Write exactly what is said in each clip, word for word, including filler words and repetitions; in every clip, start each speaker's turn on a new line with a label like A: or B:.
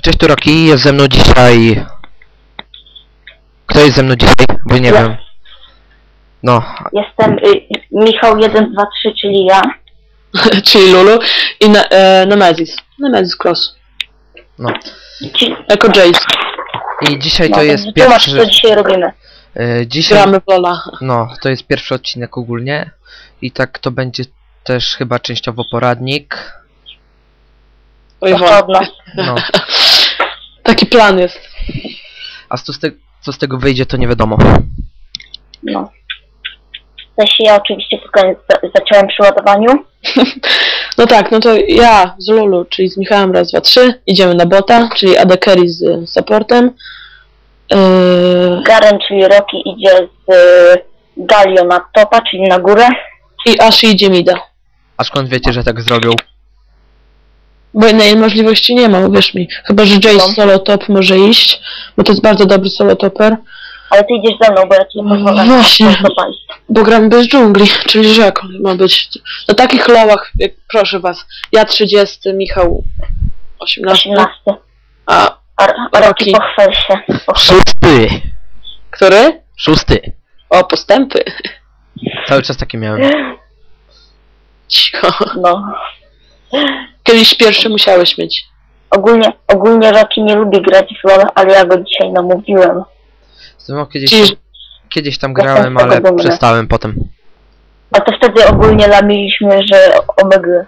A: Cześć tu Roki, jest ze mną dzisiaj... Kto jest ze mną dzisiaj? Bo nie
B: Ja.
A: wiem. No.
B: Jestem y, Michał jeden dwa trzy, czyli ja.
C: Czyli Lulu i ne e, Nemesis. Nemesis Cross.
A: No.
B: Ci,
C: Jako Jace.
A: I dzisiaj
B: no,
A: to jest
B: tłumacz,
A: pierwszy...
B: co dzisiaj robimy.
A: E, dzisiaj...
C: Gramy w Lola.
A: No, to jest pierwszy odcinek ogólnie. I tak to będzie też chyba częściowo poradnik.
C: Oj,
B: Proszę od nas.
A: No.
C: Taki plan jest.
A: A co z, te... co z tego wyjdzie, to nie wiadomo.
B: No. W sensie ja oczywiście tylko za- zacząłem przy ładowaniu.
C: No tak, no to ja z Lulu, czyli z Michałem raz, dwa, trzy. Idziemy na bota, czyli A D Carry z supportem. Yy,
B: Garen, czyli Rocky, idzie z y, Galio na topa, czyli na górę.
C: I Ash idzie mida.
A: A skąd wiecie, że tak zrobił?
C: Bo innej możliwości nie ma, uwierz mi. Chyba, że Jace
B: No.
C: solo top może iść, bo to jest bardzo dobry solo toper.
B: Ale ty idziesz ze mną, bo ja ci nie pozwolę
C: No właśnie.
B: na topa iść.
C: Bo gram bez dżungli, czyli że jak on ma być? Na takich lołach, jak, proszę was, ja trzydziesty, Michał osiemnasty,
B: osiemnasty.
C: a
B: A, a
C: Rocky.
B: Rocky, pochwal się. Pochwal.
A: Szósty!
C: który?
A: Szósty!
C: O, postępy.
A: Cały czas takie miałem.
C: Cicho.
B: No.
C: Kiedyś pierwszy musiałeś mieć.
B: Ogólnie, ogólnie Rocky nie lubi grać w LoL, ale ja go dzisiaj namówiłem.
A: No, kiedyś,
C: Czyli-
A: kiedyś tam
B: Jestem
A: grałem,
B: z tego
A: ale
B: dumny.
A: przestałem potem.
B: A to wtedy ogólnie lamiliśmy, że omega.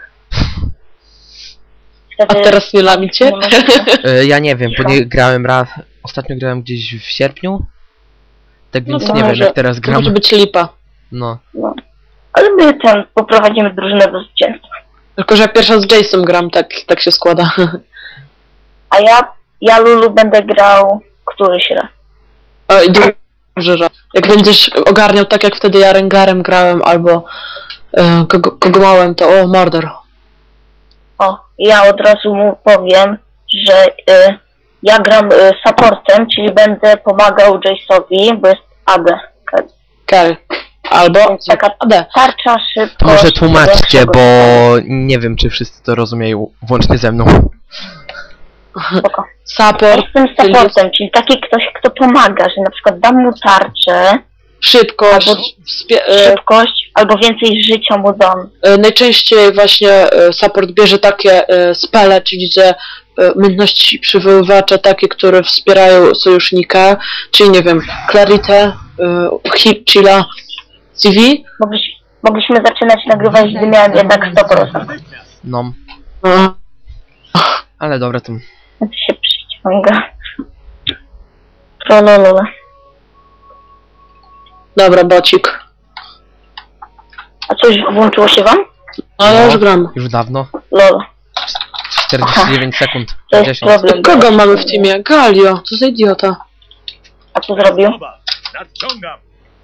C: A
B: Wtedy
C: teraz nie lamicie?
B: nie możemy.
A: E, ja nie wiem, bo
B: Co?
A: nie grałem raz. Ostatnio grałem gdzieś w sierpniu. Tak
C: No
A: więc
C: to
A: nie wiem,
C: może-
A: jak teraz
C: To
A: gram.
C: może być lipa.
A: No.
B: No. Ale my ten poprowadzimy drużynę do zwycięstwa.
C: Tylko, że ja pierwsza z Jace'em gram, tak, tak się składa.
B: A ja, ja Lulu będę grał któryś raz.
C: O, i dobrze, że jak będziesz ogarniał tak, jak wtedy ja Rengarem grałem, albo e, kogo, kogo małem, to o, Mordor.
B: O, ja od razu mu powiem, że y, ja gram y, supportem, czyli będę pomagał Jace'owi, bo jest A D.
C: Carry. Albo
B: Więc taka
C: A D.
B: tarcza, szybko.
A: To może tłumaczcie, bo nie wiem, czy wszyscy to rozumieją, włącznie ze mną.
B: Spoko. Ja
C: Support,
B: jestem supportem, czyli taki ktoś, kto pomaga, że na przykład dam mu tarczę,
C: szybkość,
B: Albo-
C: wspie- e,
B: szybkość, albo więcej życia mu dam.
C: e, najczęściej właśnie e, support bierze takie e, spele, czyli że e, umiejętności przywoływacza takie, które wspierają sojusznika, czyli nie wiem, Clarity, e, Hip, Chilla, C V.
B: Mogliś, mogliśmy zaczynać nagrywać, gdy miałem jednak sto procent.
A: No.
C: E,
A: Ale dobra, to...
B: To się przyciąga. Prololole.
C: Dobra, bocik.
B: A coś włączyło się wam?
C: No ja już gram.
A: Już dawno.
B: Lol.
A: czterdzieści dziewięć sekund.
B: To jest
A: pięćdziesiąt.
B: problem.
C: Kogo mamy w teamie? Galio, co za idiota.
B: A co zrobił?
D: Nadciągam!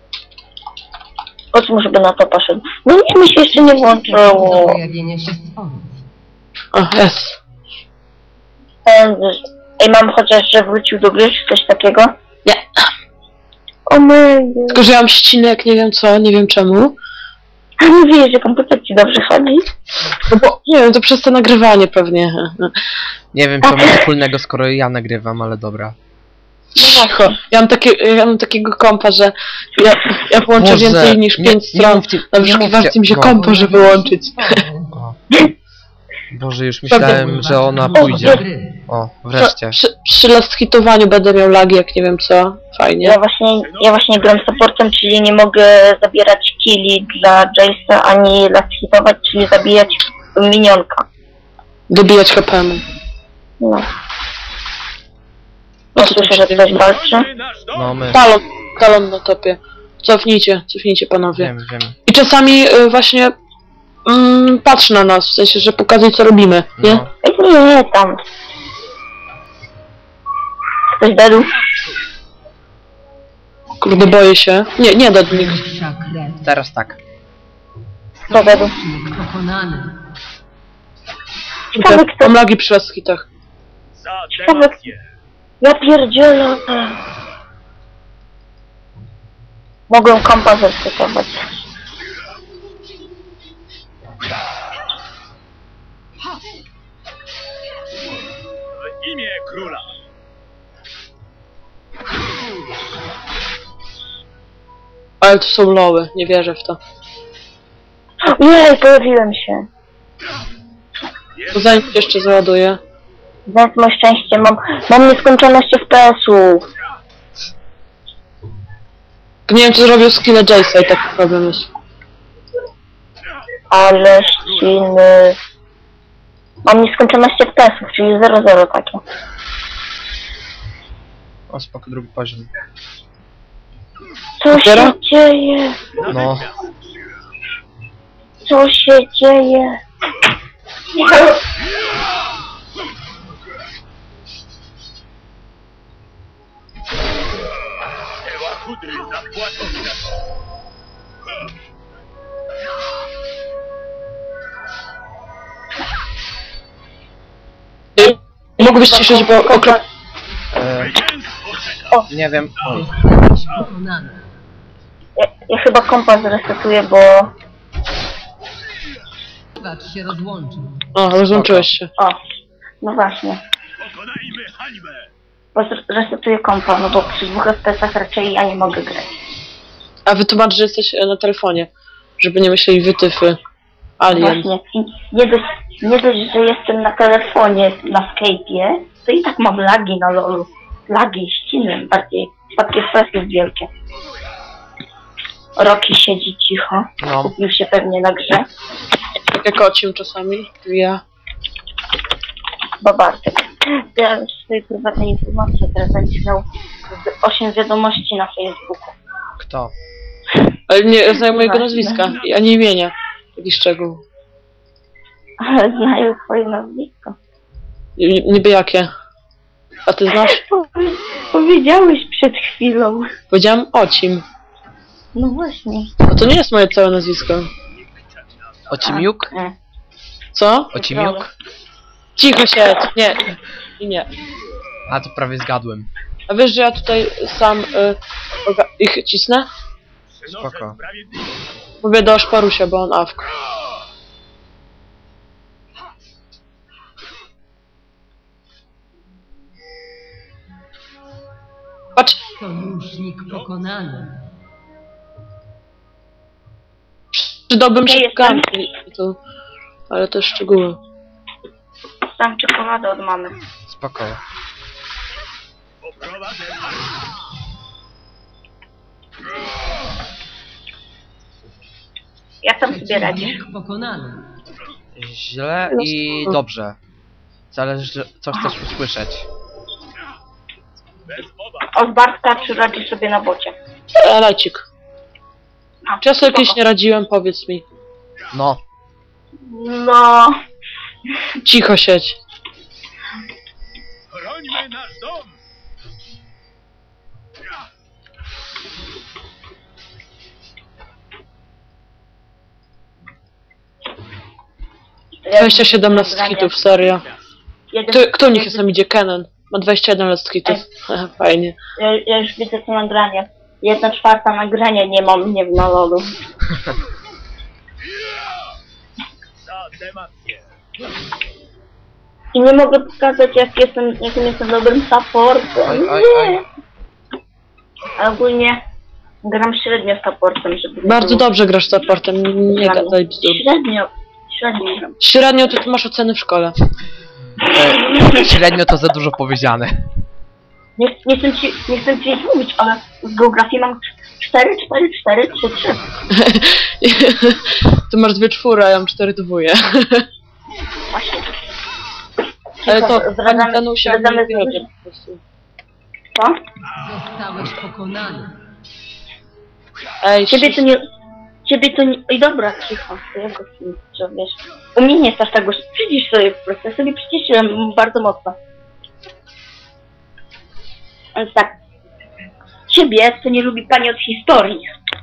B: O czym żeby na to poszedł? No nic mi się jeszcze nie włączyło.
E: Pojawienia się stworów.
C: O, jest.
B: Ten, ej, mam chociaż, że wrócił do gry, czy coś takiego?
C: Nie.
B: O my...
C: Tylko, że ja mam ścinek, nie wiem co, nie wiem czemu.
B: A nie wiesz, że komputer ci dobrze chodzi?
C: No bo, nie wiem, to przez to nagrywanie pewnie.
A: Nie wiem, co ma wspólnego, skoro ja nagrywam, ale dobra.
B: No
C: Cicho.
B: właśnie.
C: Ja mam, takie, ja mam takiego kompa, że ja, ja włączę
A: Boże,
C: więcej niż
A: nie-
C: pięć
A: nie
C: stron.
A: mówcie-
C: Na
A: nie
C: wyszukiwarce
A: mówcie-
C: mi się
A: no.
C: kompa, żeby wyłączyć.
A: O. Boże, już myślałem, że ona pójdzie. O, wreszcie.
C: Przy, przy last hitowaniu będę miał lagi, jak nie wiem co. Fajnie.
B: Ja właśnie, ja właśnie gram supportem, czyli nie mogę zabierać killi dla Jace'a, ani last hitować, czyli zabijać minionka.
C: Dobijać H P mu.
B: No. No słyszę, że ktoś walczy.
D: Nasz dom!
A: No my...
C: Talon, talon na topie. Cofnijcie, cofnijcie panowie.
A: Wiem, wiem.
C: I czasami y, właśnie mm, patrzy na nas, w sensie, że pokazuj co robimy, nie?
A: No.
B: Ej, nie, nie, tam. Ktoś dedł?
C: Kurde, boję się. Nie, nie da nikt.
E: Wyższa krew.
A: Teraz tak.
B: Kto dedł?
E: Przeciwnik pokonany.
B: Ciekawe kto...
C: Mam lagi przy last hitach.
D: Za
B: Ciekawe-
D: democję!
B: Ja pierdzielę. Mogłem kompa zeskytować.
D: imię króla.
C: Ale to są loły, nie wierzę w to.
B: Nie, pojawiłem się.
C: To zanim się jeszcze załaduję.
B: Więc moje szczęście, mam, mam nieskończoność F P S-ów.
C: Nie wiem, czy zrobił skille Jace'a i taki problem jest.
B: Ale ściny. Mam nieskończoność F P S-ów, czyli zero zero takie.
A: O, spoko, drugi poziom.
B: Co
C: Dopiero?
B: się dzieje?
A: No,
B: Co się dzieje?
D: Eła kudry zapłacą za to.
C: Ej, mógłbyś ciszyć, bo okrop...
A: e,
D: Zwycięstwo czeka.
A: nie wiem. Oj,
E: Pokonany.
B: Ja, ja chyba kompas zresetuję, bo...
E: Gracz się rozłączył.
C: O, rozłączyłeś się.
B: O, no właśnie.
D: Pokonajmy hańbę.
B: Bo zresetuję kompa, no bo przy dwóch F P S-ach raczej ja nie mogę grać.
C: A wytłumacz, że jesteś e, na telefonie. Żeby nie myśleli wytyfy. Alien.
B: Właśnie. I nie dość, nie dość, że jestem na telefonie, na Skype'ie, to i tak mam lagi na lolu. Lagi, ściny bardziej. Spadki F P S-ów wielkie. Roki siedzi cicho.
A: no.
B: Kupił się pewnie na grze.
C: Tak jak ocim czasami. Ja.
B: Bo Bartek. Ja już swojej prywatnej informacji teraz będziesz miał osiem wiadomości na Facebooku.
A: Kto?
C: Ale nie znają mojego
B: Właśnie.
C: nazwiska, ani imienia. Taki szczegół.
B: Ale znają twoje nazwisko.
C: Ni- Niby jakie? A ty znasz?
B: Powie- Powiedziałeś przed chwilą.
C: Powiedziałem ocim.
B: No właśnie.
C: No to nie jest moje całe nazwisko.
A: Ocimiuk?
B: Nie.
C: Co?
A: Ocimiuk?
C: Cicho się! Nie. I nie.
A: A, to prawie zgadłem.
C: A wiesz, że ja tutaj sam y, oga- ich cisnę?
A: Spoko.
D: Przynoszę sprawiedliwość.
C: Mówię do Szparusia, bo on awk. Patrz!
E: Sojusznik pokonany.
C: Przydałbym
B: Ja
C: się
B: jestem.
C: to, ale to szczegóły.
B: Sam czekoladę od mamy.
A: Spoko.
D: Poprowadzę.
B: Ja tam sobie radzisz.
E: Przeciwnik pokonany.
A: Źle i dobrze. Zależy, co chcesz usłyszeć.
D: Bez mowa.
B: Od Bartka czy radzisz sobie na bocie?
C: E, Lecik.
B: A,
C: Czy ja sobie
B: spoko.
C: kiedyś nie radziłem? Powiedz mi.
A: No,
B: No.
C: Cicho siedź.
D: Chrońmy nasz dom.
C: dwadzieścia siedem last hitów, serio.
B: Jeden,
C: Kto, kto u nich
B: jeden-
C: jest tam idzie? Kenan. Ma dwadzieścia jeden last hitów. Fajnie.
B: Ja, ja już widzę to nagranie. Jedna czwarta nagrania nie mam mnie w nalolu.
D: Za demację.
B: I nie mogę pokazać jak jestem, jakim jestem dobrym supportem.
A: Oj, oj, oj.
B: Nie. A ogólnie gram średnio supportem, żeby...
C: Bardzo dobrze grasz supportem, nie
B: Średnio.
C: gadaj bzdur.
B: Średnio. Średnio gram.
C: Średnio to ty masz oceny w szkole.
A: e, średnio to za dużo powiedziane.
B: Nie, nie, chcę ci, nie chcę ci mówić, ale z geografii mam cztery, cztery, cztery, trzy, trzy.
C: Ty masz dwie czwóry, a ja mam cztery dwóje.
B: Właśnie.
C: Ale to
B: Cicho,
C: pani
B: zdradzamy-
C: Danusia
B: zdradzamy
C: nie wie,
B: dużo.
C: po prostu.
B: Co?
E: Zostałeś pokonany.
C: Ej,
B: Ciebie to nie... Ciebie to nie... Oj dobra, cicho. To ja go że wiesz. U mnie nie jest aż tak gość. Przycisz sobie po prostu. Ja sobie przyciszyłem bardzo mocno. Więc tak. Ciebie to nie lubi pani od historii.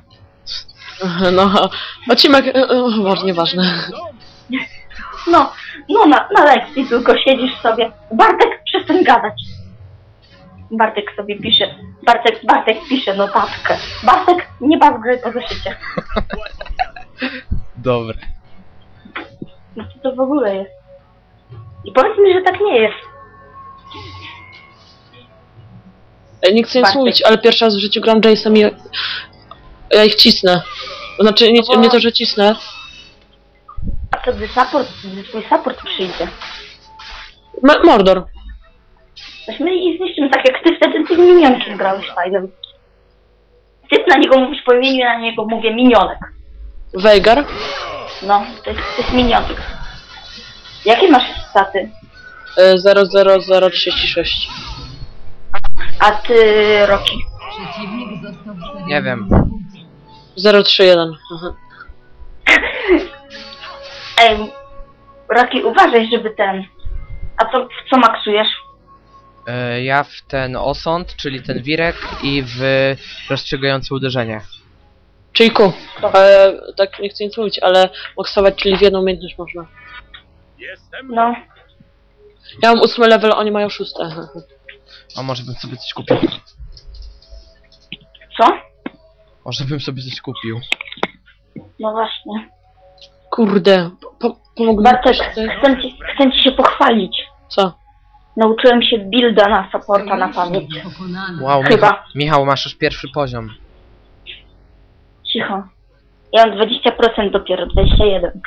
C: No, odcinek, może nieważne.
B: No, no na, na lekcji tylko siedzisz sobie. Bartek, przestań gadać. Bartek sobie pisze. Bartek, Bartek pisze notatkę. Bartek, nie baw gry po zeszycie.
A: Dobre.
B: No co to w ogóle jest? I powiedz mi, że tak nie jest.
C: Ej, nie chcę nic
B: Bartek.
C: mówić, ale pierwszy raz w życiu gram Jace'em i ja, ja ich cisnę. Znaczy, nie,
B: No bo-
C: nie to, że cisnę.
B: A to gdy support, gdy twój support przyjdzie.
C: M Mordor.
B: Weźmy i zniszczymy tak jak ty wtedy tym minionkiem grałeś fajnym. Ty na niego mówisz po imieniu, ja na niego mówię minionek.
C: Veigar.
B: No, to jest, to jest minionek. Jakie masz staty?
C: y, zero zero zero trzydzieści sześć.
B: A ty, Roki?
E: Przeciwnik został w serii.
A: Nie wiem.
C: zero trzy jeden. Mhm.
B: Ej, Roki, uważaj, żeby ten... A co, w co maksujesz?
A: E, ja w ten osąd, czyli ten wirek i w rozstrzygające uderzenie.
C: Czyli ku. Ale tak nie chcę nic mówić, ale maksować, czyli w jedną umiejętność można.
D: Jestem
B: No,
C: Ja mam ósmy level, oni mają szóste.
A: A może bym sobie coś kupił?
B: co?
A: Może bym sobie coś kupił.
B: No właśnie.
C: Kurde, po, pomógł mi
B: Bartek,
C: ktoś tutaj?
B: chcę ci, chcę ci się pochwalić.
C: Co?
B: Nauczyłem się builda na supporta na pamięć.
E: Sojusznik pokonany.
A: Wow,
B: Chyba.
A: Michał, Michał, masz już pierwszy poziom.
B: Cicho. Ja mam dwadzieścia procent dopiero, dwadzieścia jeden.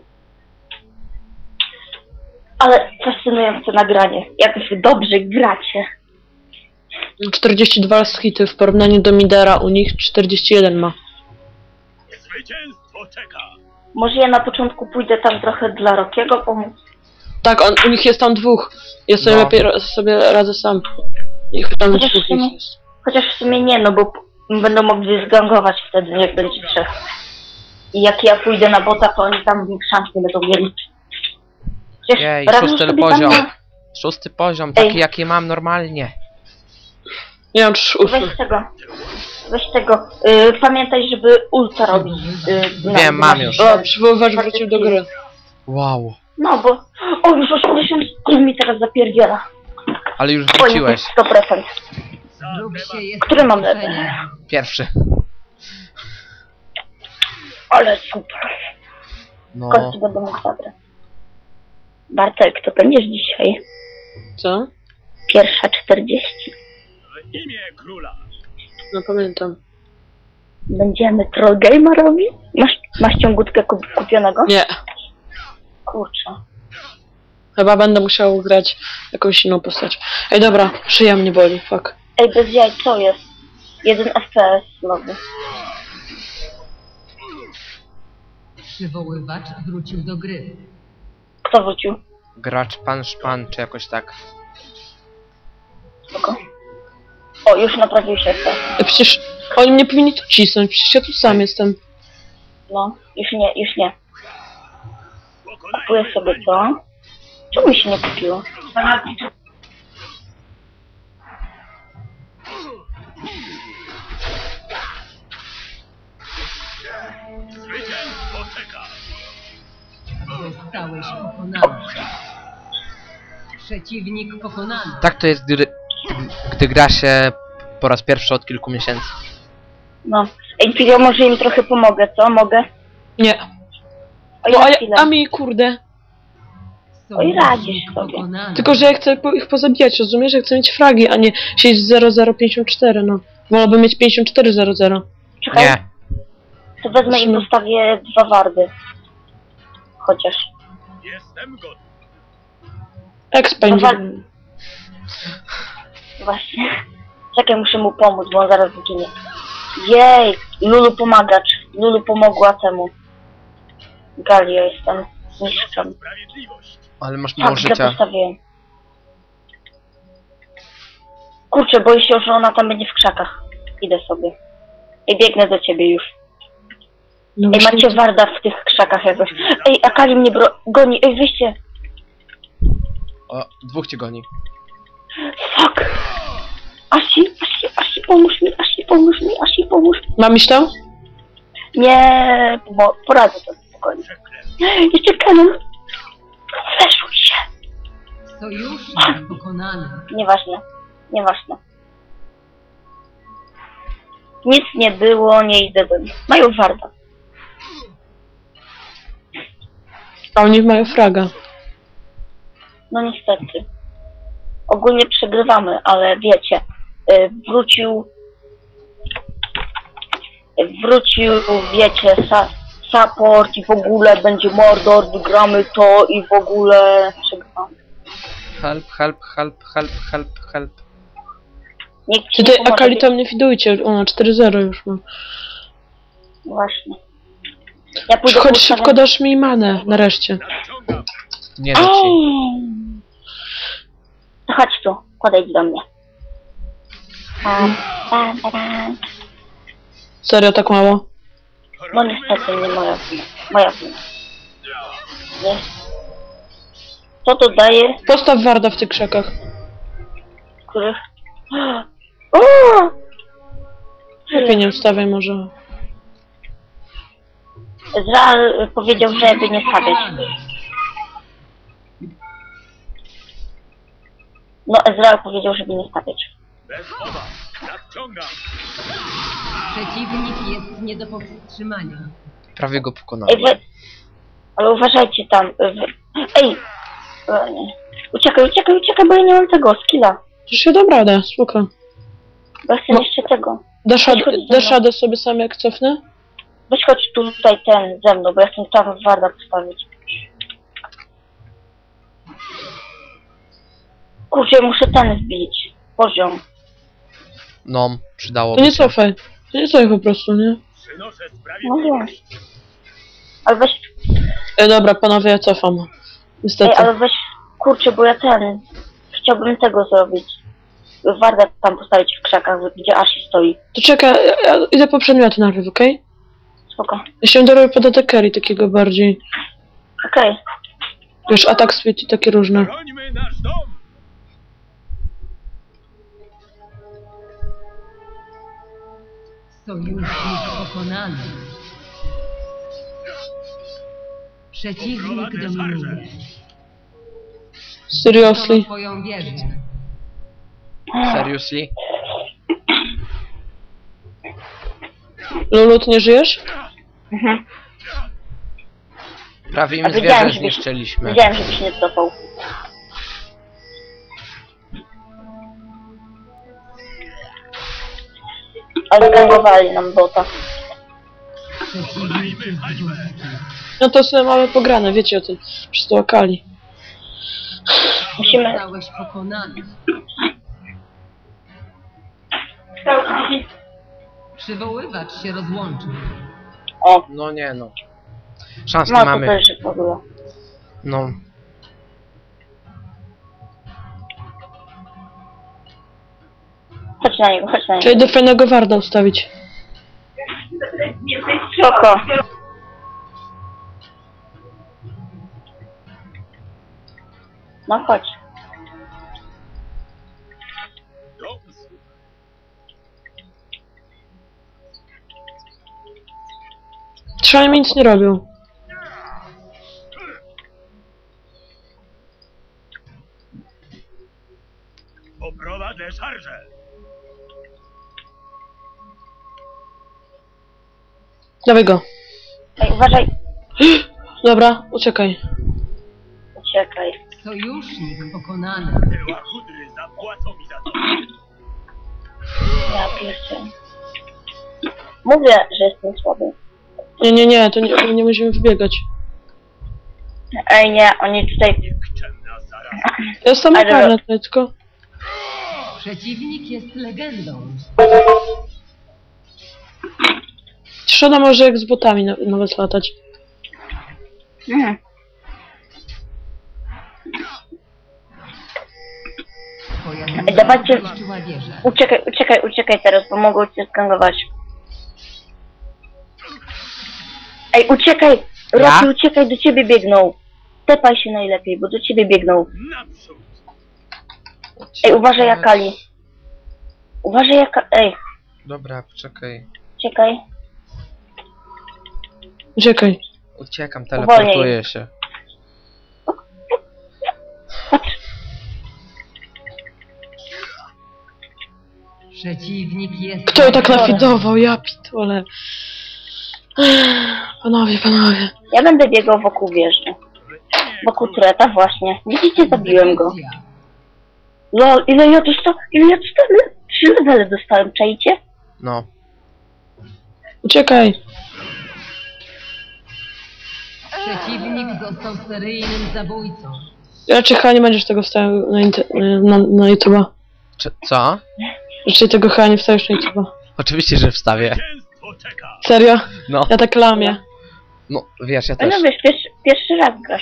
B: Ale fascynujące nagranie. Jak wy dobrze gracie.
C: czterdzieści dwa hity w porównaniu do Midera, u nich czterdzieści jeden ma.
D: zwycięstwo czeka.
B: Może ja na początku pójdę tam trochę dla Rokiego pomóc.
C: Tak, on, u nich jest tam dwóch. Ja sobie
A: No.
C: lepiej ra- sobie radzę sam. Ich tam
B: Chociaż
C: dwóch
B: w sumie-
C: ich jest.
B: Chociaż w sumie nie, no bo p- będą mogli zgangować wtedy, jak będzie trzech. I jak ja pójdę na bota, to oni tam szans nie będą mieli. Przecież
A: Jej,
B: radzą
A: szósty
B: sobie
A: poziom.
B: Tam,
A: Szósty poziom, taki
B: Ej.
A: jaki mam normalnie.
C: Nie mam trz- ósmy.
B: weź tego. Weź tego. Y, pamiętaj, żeby ulta robić. Y, na-
A: Wiem, mam
B: na-
A: już.
C: O, przywoływacz wrócił do gry.
A: Wow.
B: No bo... O, już osiemdziesiąt, on mi teraz zapierdziela.
A: Ale już
B: O,
A: wróciłeś.
B: sto procent.
E: Wróg się jest
B: Który mam
E: zaskoczenie.
A: Pierwszy.
B: Ale super. W
A: No.
B: końcu będę mógł zabrać. Bartek, to będziesz dzisiaj?
C: Co?
B: Pierwsza czterdzieści.
D: W imię króla.
C: No pamiętam.
B: Będziemy troll game'a robić? Masz, masz ciągutkę kup kupionego?
C: Nie.
B: Kurczę.
C: Chyba będę musiał grać jakąś inną postać. Ej, dobra, szyja mnie boli, fuck.
B: Ej, bez jaj, co jest? Jeden F P S nowy.
E: Przywoływacz wrócił do gry.
B: Kto wrócił?
A: Gracz pan szpan, czy jakoś tak.
B: Spoko. O, już naprawił się F P S.
C: Ej, przecież oni mnie powinni tu cisnąć, przecież ja tu sam jestem.
B: No, już nie, już nie.
D: Pokonajmy
B: Kupuję sobie to. Czemu mi się nie kupiło?
D: Zwycięstwo czeka.
E: Zostałeś pokonany. Przeciwnik pokonany.
A: Tak to jest, gdy, gdy gra się po raz pierwszy od kilku miesięcy.
B: No. Ej, to ja może im trochę pomogę, co? Mogę?
C: Nie.
B: O,
C: No,
B: ja
C: a, ja,
B: chwilę.
C: a mi kurde.
B: Oj, radzisz
E: Sojusznik
B: sobie.
E: pokonany.
C: Tylko, że ja chcę po, ich pozabijać, rozumiesz? Ja chcę mieć fragi, a nie siedzieć zero zero pięćdziesiąt cztery, no. Wolałbym mieć pięćdziesiąt cztery zero zero.
B: Czekaj,
A: Nie.
B: to wezmę i postawię dwa wardy. Chociaż.
D: Jestem gotów.
C: Expand.
B: Dwa- Właśnie. Czekaj, muszę mu pomóc, bo on zaraz zginie. Jej! Lulu pomagacz. Lulu pomogła temu. Galio jestem. Mistrzem.
D: Sprawiedliwość.
A: Ale masz mało
B: Tak, źle
A: życia.
B: postawiłem. Kurczę, boję się, że ona tam będzie w krzakach. Idę sobie. I biegnę do ciebie już.
C: No
B: Ej,
C: właśnie,
B: macie warda w tych krzakach jakoś. Ej, Akali mnie bro... goni. Ej, wyjście.
A: O, dwóch cię goni.
B: Fuck. Asi, Asi, Asi, pomóż mi, Asi, pomóż mi, Asi, pomóż mi.
C: mam iść tam?
B: Nie, bo poradzę sobie spokojnie. Jeszcze kanon. Fleszuj się.
E: Sojusznik pokonany.
B: Nieważne, nieważne. Nic nie było, nie idę do nich. Mają warda.
C: A oni mają fraga.
B: No niestety. Ogólnie przegrywamy, ale wiecie, y, wrócił, wrócił, wiecie, sa, support i w ogóle będzie Mordor, wygramy to i w ogóle przegramy.
A: Help, help, help, help, help, help.
B: Nikt ci nie
C: Tutaj
B: pomoże,
C: Akali tam nie widujcie, ona cztery zero już ma.
B: Właśnie. Ja pójdę
C: Chodź
B: ustawiam-
C: szybko, dasz mi manę, nareszcie.
D: Nadciągam.
A: Nie da ci.
B: Ej! To chodź tu, podejdź do mnie. Pam, pam, pam.
C: Serio, tak mało?
B: No niestety nie moja wina. Moja wina. Nie. Co to daje?
C: Postaw warda w tych krzakach.
B: Których... O!
C: Lepiej nie ustawiaj może.
B: Ezreal powiedział, żeby nie stawiać. No Ezreal powiedział, żeby nie stawiać.
D: Bez obaw. Nadciągam.
E: Przeciwnik jest nie do powstrzymania.
A: Prawie go
B: Ej,
A: pokonałem.
B: wy... Ale uważajcie tam. Wy... Ej! O, nie. Uciekaj, uciekaj, uciekaj, bo ja nie mam tego skilla.
C: Przecież ja dam radę, spoko.
B: Bo ja chcę
C: No.
B: jeszcze tego.
C: Dasz,
B: Chodź,
C: rad-
B: chodź ze
C: dasz
B: mną.
C: radę sobie sam jak cofnę?
B: Weź chodź tu, tutaj ten ze mną, bo ja chcę tam warda postawić. Kurczę, muszę ten wbić. Poziom.
A: No, przydało
C: To nie
A: się.
C: cofaj. To nie cofaj po prostu, nie?
D: Przynoszę
B: No
D: sprawiedliwość.
B: Ale weź...
C: E, dobra, panowie, ja cofam.
B: Ej,
C: Niestety.
B: ale weź... Kurczę, bo ja ten... Chciałbym tego zrobić. Warda tam postawić w krzakach, gdzie Asi stoi.
C: To czekaj, ja, ja idę po przedmioty najpierw, okej?
B: Spoko.
C: Ja się dorobię pod atakery takiego bardziej.
B: Okej.
C: Wiesz, atak speed i takie różne.
D: Brońmy nasz dom.
E: Sojusznik pokonany. Przeciwnik dominuje.
C: Seriously.
E: Twoją wieżę.
A: Seriously?
C: Lulu, ty nie żyjesz?
B: Mhm.
A: Prawie
B: A
A: im
B: wiedziałem,
A: zwierzę
B: że-
A: zniszczyliśmy.
B: Wiedziałem, żebyś nie cofał. Ale zgangowali nam bota.
E: Przeciwnik jest górski.
C: No to sobie mamy pograne, wiecie o tym. Przez to Akali.
B: Musimy...
E: Zostałeś pokonany. Przywoływacz się rozłączył.
B: O,
A: No nie no. Szans nie
B: no to
A: mamy.
B: też w ogóle.
A: No.
B: Chodź na niego, chodź na
C: Trzeba
B: niego.
C: do fajnego warda ustawić.
B: Spoko. No chodź.
D: Do usług.
C: Trzeba mi nic nie robią.
D: Poprowadzę szarżę.
C: Dawaj go.
B: Ej, uważaj.
C: Dobra, uciekaj.
B: Uciekaj.
E: Sojusznik pokonany.
D: Tyła chudry zapłacą mi za to.
B: Ja pierwszy. Mówię, że jestem słaby.
C: Nie, nie, nie, to nie, nie musimy wybiegać.
B: Ej, nie, oni tutaj...
D: Nikczemna zaraza.
C: Ja jestem
B: Ale-
C: karna tutaj, tylko...
E: Przeciwnik jest legendą.
C: Trzeba może jak z botami na, nawet latać.
B: Mhm.
E: Twoja
B: Ej, dawajcie-
E: zniszczyła wieżę.
B: Uciekaj, uciekaj, uciekaj teraz, bo mogą cię skangować. Ej, uciekaj! Rocky,
A: Ja?
B: uciekaj, do ciebie biegną. Tepaj się najlepiej, bo do ciebie biegną.
D: Naprzód.
B: Ej, uważaj Akali. Uważaj jaka... Ej,
A: Dobra, poczekaj.
B: uciekaj.
C: Uciekaj.
A: Uciekam, teleportuję się.
E: Przeciwnik jest...
C: Kto tak nafidował? Ja pitole. Panowie, panowie.
B: Ja będę biegał wokół wieży. Wokół tureta właśnie. Widzicie, zabiłem go. Lol, ile ja dostałem? Ile ja dostałem? trzy levele dostałem, czajcie?
A: No.
C: Uciekaj.
E: Przeciwnik został seryjnym zabójcą.
C: Raczej chyba nie będziesz tego wstawiał na, inter- na, na YouTube'a.
A: Czy, co?
C: Raczej tego chyba nie wstawisz na YouTube'a.
A: Oczywiście, że wstawię.
D: Zwycięstwo czeka.
C: Serio?
A: No.
C: Ja tak lamię.
A: No, wiesz, ja
B: No
A: też.
B: wiesz, pierwszy, pierwszy raz grasz.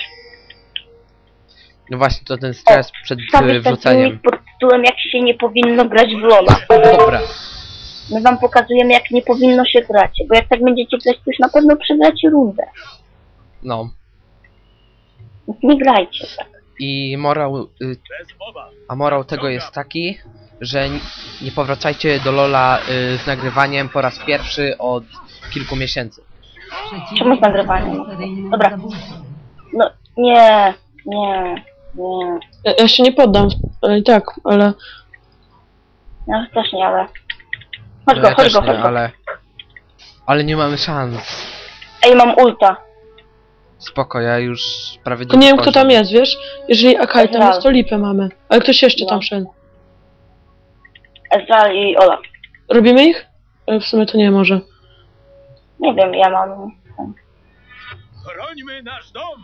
A: No właśnie, to ten stres przed y,
B: Wstawię taki
A: wrzuceniem.
B: unik pod tytułem, jak się nie powinno grać w Lola.
A: Dobra.
B: My wam pokazujemy, jak nie powinno się grać, bo jak tak będziecie grać, to już na pewno przegracie rundę.
A: No.
B: Więc nie grajcie tak.
A: I morał, y,
D: Bez mowa.
A: a morał tego jest taki, że n- nie powracajcie do Lola y, z nagrywaniem po raz pierwszy od kilku miesięcy.
E: Przeciwnik
B: Czemu z nagrywaniem?
E: został seryjnym
B: Dobra.
E: zabójcą.
B: No, nie, nie, nie.
C: Ja, ja się nie poddam. Ale i tak, ale...
B: Ja też nie, ale... Chodź
A: No
B: go,
A: ja
B: chodź
A: też
B: go,
A: nie,
B: chodź go.
A: ale... Ale nie mamy szans.
B: Ej, mam ulta.
A: Spoko, ja już prawie
C: To nie wiem kto
A: poziom.
C: tam jest, wiesz? Jeżeli Akai tam
B: Ezreal.
C: jest, to lipę mamy. Ale ktoś jeszcze
B: No.
C: tam szedł.
B: Ezreal i Olaf.
C: Robimy ich? E, W sumie to nie może.
B: Nie wiem, ja mam...
D: Chrońmy nasz dom.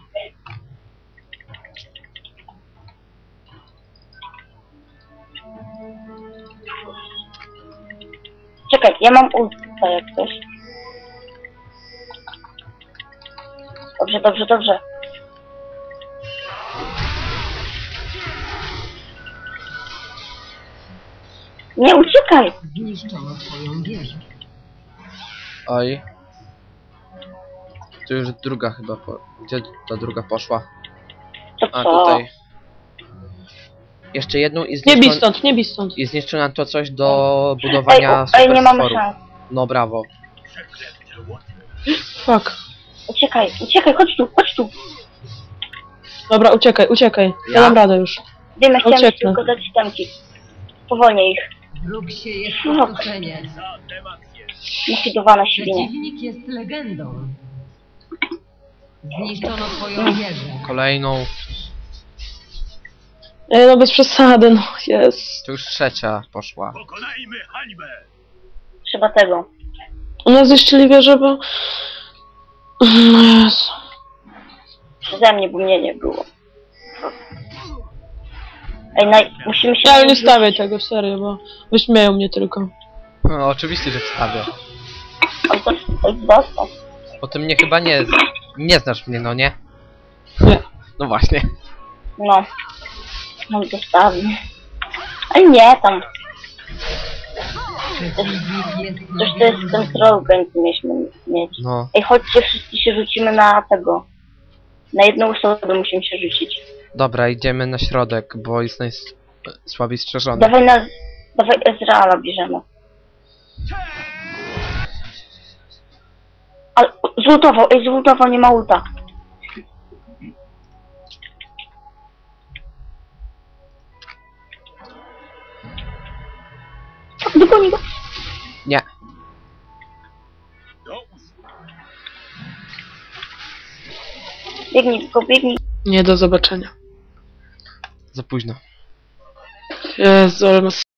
B: Czekaj, ja mam ulta jak coś. Dobrze, dobrze, dobrze. Nie uciekaj!
E: Zniszczono twoją wieżę.
A: Oj. Tu już druga chyba po... Gdzie ta druga poszła?
B: To
A: A,
B: co?
A: tutaj. Jeszcze jedną i
C: Nie bij
A: zniszczą...
C: stąd, nie bij stąd.
A: I zniszczy nam to coś do
B: Ej,
A: budowania
B: u, ej, nie mamy
A: superstworów.
B: szans.
A: No brawo.
D: Przeklęte łoty.
C: Fuck.
B: Uciekaj, uciekaj, chodź tu, chodź tu.
C: Dobra, uciekaj, uciekaj. Ja,
A: Ja?
C: dam radę już.
B: Wiem, ja chciałem ci
C: Ucieknę.
B: tylko dać temki. Powolnie ich.
E: Wróg sieje
B: No.
E: spustoszenie.
D: Za demację.
B: Nafidowane świnie.
E: Przeciwnik jest legendą. Zniszczono twoją wieżę.
A: Kolejną.
C: Ej, no bez przesady, no jest.
A: To już trzecia poszła.
D: Pokonajmy hańbę.
B: Trzeba tego.
C: U nas zniszczyli wieżę, bo... No Jezu.
B: Przeze mnie, bo mnie nie było. Ej, naj... musimy się...
C: Ja ale nie
B: nauczyć-
C: stawiaj tego, serio, bo wyśmieją mnie tylko.
A: No, oczywiście, że wstawię.
B: On to to jest dostał.
A: Bo ty mnie chyba nie... Nie znasz mnie, no nie?
C: Nie.
A: No właśnie.
B: No. On dostawi. Ale nie, tam.
E: Przeciwnik jest
B: Coś to jest ten troll będzie mieliśmy mieć.
A: No.
B: Ej, chodźcie, wszyscy się rzucimy na tego. Na jedną osobę musimy się rzucić.
A: Dobra, idziemy na środek, bo jest najsłabiej strzeżony.
B: Dawaj na... Dawaj Ezreala bierzemy. Ale zlutował, ej, zlutował, nie ma ulta. Dogoni go.
A: Nie.
D: Do usług.
B: Biegnij, go biegnij.
C: Nie, do zobaczenia.
A: Za późno.
C: Jezu, ale mas